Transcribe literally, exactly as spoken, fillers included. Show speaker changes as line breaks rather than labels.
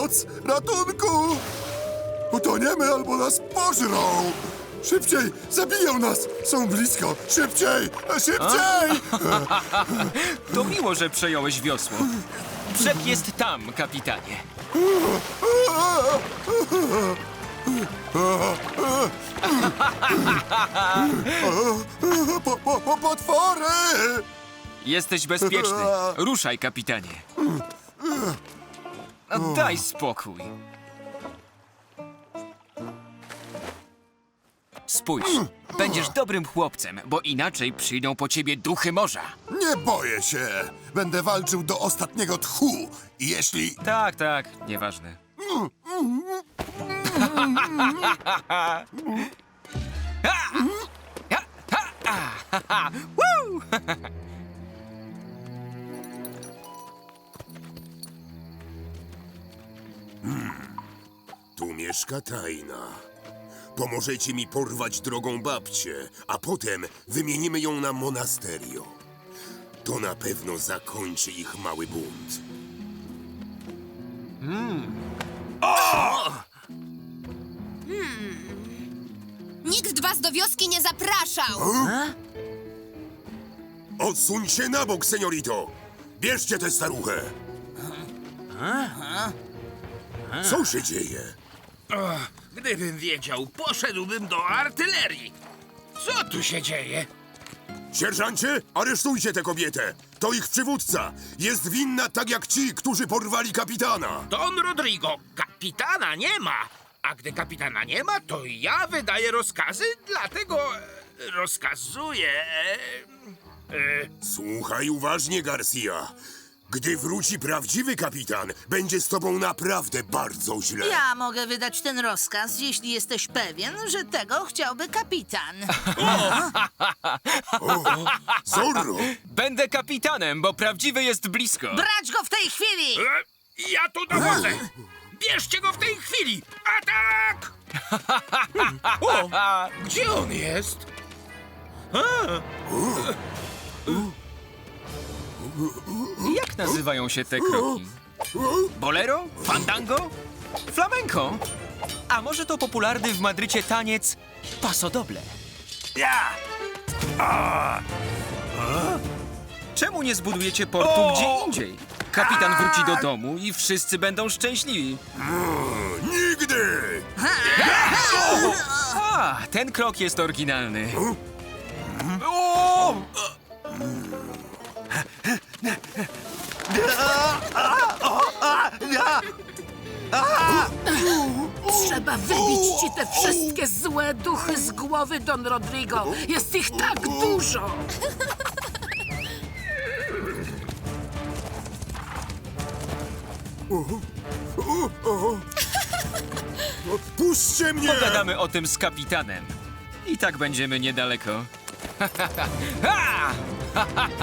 Pomoc! Ratunku! Utoniemy albo nas pożrą! Szybciej! Zabiją nas! Są blisko! Szybciej! Szybciej!
To miło, że przejąłeś wiosło. Brzeg jest tam, kapitanie.
Po, po, po, potwory!
Jesteś bezpieczny. Ruszaj, kapitanie. No, daj spokój. Spójrz, będziesz dobrym chłopcem, bo inaczej przyjdą po ciebie duchy morza.
Nie boję się! Będę walczył do ostatniego tchu! I jeśli...
Tak, tak, nieważne.
Tu mieszka Tajna. Pomożecie mi porwać drogą babcię, a potem wymienimy ją na monasterio. To na pewno zakończy ich mały bunt.
Nikt was do wioski nie zapraszał!
Odsuń się na bok, seniorito! Bierzcie tę staruchę! Co się dzieje?
Gdybym wiedział, poszedłbym do artylerii. Co tu się dzieje?
Sierżancie, aresztujcie tę kobietę! To ich przywódca! Jest winna tak jak ci, którzy porwali kapitana!
Don Rodrigo, kapitana nie ma. A gdy kapitana nie ma, to ja wydaję rozkazy, dlatego e, rozkazuję... E, e,
Słuchaj uważnie, Garcia. Gdy wróci prawdziwy kapitan, będzie z tobą naprawdę bardzo źle.
Ja mogę wydać ten rozkaz, jeśli jesteś pewien, że tego chciałby kapitan.
Zorro!
Będę kapitanem, bo prawdziwy jest blisko.
Brać go w tej chwili!
e, ja tu dowodzę. Bierzcie go w tej chwili. Atak! O, gdzie on jest?
Jak nazywają się te kroki? Bolero? Fandango? Flamenco? A może to popularny w Madrycie taniec pasodoble?
Ja!
Czemu nie zbudujecie portu gdzie indziej? Kapitan wróci do domu i wszyscy będą szczęśliwi.
Nigdy!
A, ten krok jest oryginalny. O!
Trzeba wybić ci te wszystkie złe duchy z głowy, Don Rodrigo. Jest ich tak dużo.
Puśćcie mnie!
Pogadamy o tym z kapitanem. I tak będziemy niedaleko.